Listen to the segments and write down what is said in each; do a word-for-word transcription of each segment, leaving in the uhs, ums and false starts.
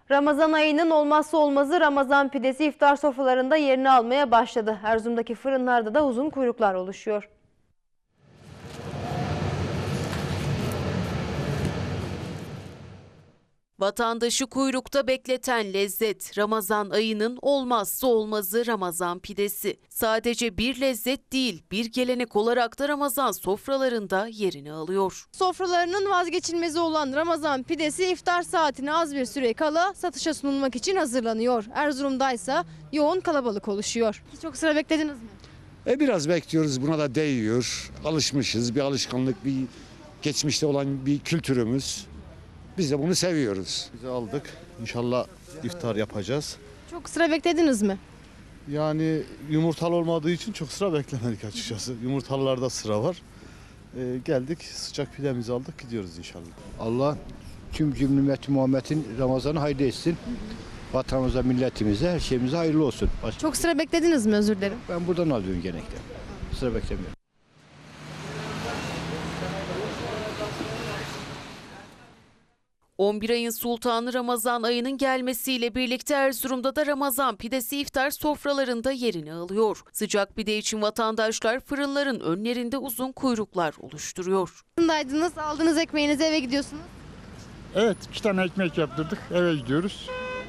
Ramazan ayının olmazsa olmazı Ramazan pidesi iftar sofralarında yerini almaya başladı. Erzurum'daki fırınlarda da uzun kuyruklar oluşuyor. Vatandaşı kuyrukta bekleten lezzet, Ramazan ayının olmazsa olmazı Ramazan pidesi. Sadece bir lezzet değil, bir gelenek olarak da Ramazan sofralarında yerini alıyor. Sofralarının vazgeçilmezi olan Ramazan pidesi iftar saatine az bir süre kala satışa sunulmak için hazırlanıyor. Erzurum'daysa yoğun kalabalık oluşuyor. Çok sıra beklediniz mi? E biraz bekliyoruz, buna da değiyor. Alışmışız, bir alışkanlık, bir geçmişte olan bir kültürümüz. Biz de bunu seviyoruz. Biz aldık. İnşallah iftar yapacağız. Çok sıra beklediniz mi? Yani yumurtalı olmadığı için çok sıra beklemedik açıkçası. Yumurtalılarda sıra var. Ee, geldik, sıcak pidemizi aldık, gidiyoruz inşallah. Allah tüm cümle ümmeti Muhammed'in Ramazan'ı hayırlı etsin. Vatanımıza, milletimize, her şeyimize hayırlı olsun. Başka Çok sıra beklediniz mi, özür dilerim? ben buradan alıyorum genellikle. Sıra beklemiyorum. on bir ayın sultanı Ramazan ayının gelmesiyle birlikte Erzurum'da da Ramazan pidesi iftar sofralarında yerini alıyor. Sıcak pide için vatandaşlar fırınların önlerinde uzun kuyruklar oluşturuyor. Fırındaydınız, aldığınız ekmeğinizi eve gidiyorsunuz. Evet, iki tane ekmek yaptırdık, eve gidiyoruz.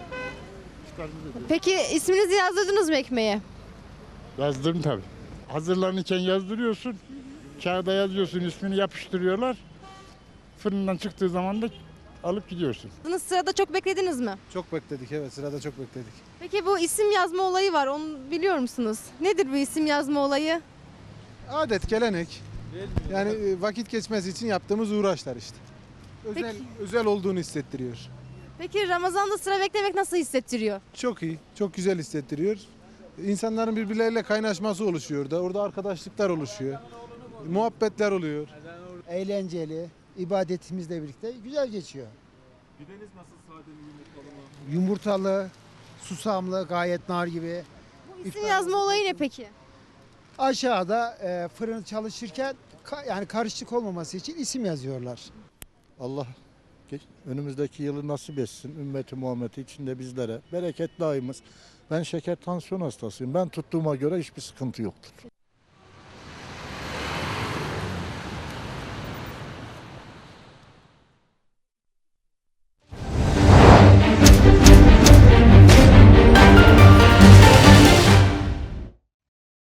Peki isminizi yazdırdınız mı ekmeğe? Yazdırdım tabii. Hazırlanırken yazdırıyorsun, kağıda yazıyorsun, ismini yapıştırıyorlar. Fırından çıktığı zaman da alıp gidiyorsun. Sırada çok beklediniz mi? Çok bekledik, evet, sırada çok bekledik. Peki bu isim yazma olayı var, onu biliyor musunuz? Nedir bu isim yazma olayı? Adet, gelenek. Yani e, vakit geçmesi için yaptığımız uğraşlar işte. Özel, Peki. özel olduğunu hissettiriyor. Peki Ramazan'da sıra beklemek nasıl hissettiriyor? Çok iyi, çok güzel hissettiriyor. İnsanların birbirleriyle kaynaşması oluşuyor da, orada arkadaşlıklar oluşuyor. Muhabbetler oluyor. Eğlenceli, ibadetimizle birlikte güzel geçiyor. Pideniz nasıl, sade mi, yumurtalı mı? Yumurtalı, susamlı, gayet nar gibi. Bu isim yazma olayı ne peki? Aşağıda e, fırın çalışırken ka- yani karışık olmaması için isim yazıyorlar. Allah önümüzdeki yılı nasip etsin. Ümmeti Muhammed'i içinde bizlere. Bereketli ayımız. Ben şeker tansiyon hastasıyım. Ben tuttuğuma göre hiçbir sıkıntı yoktur.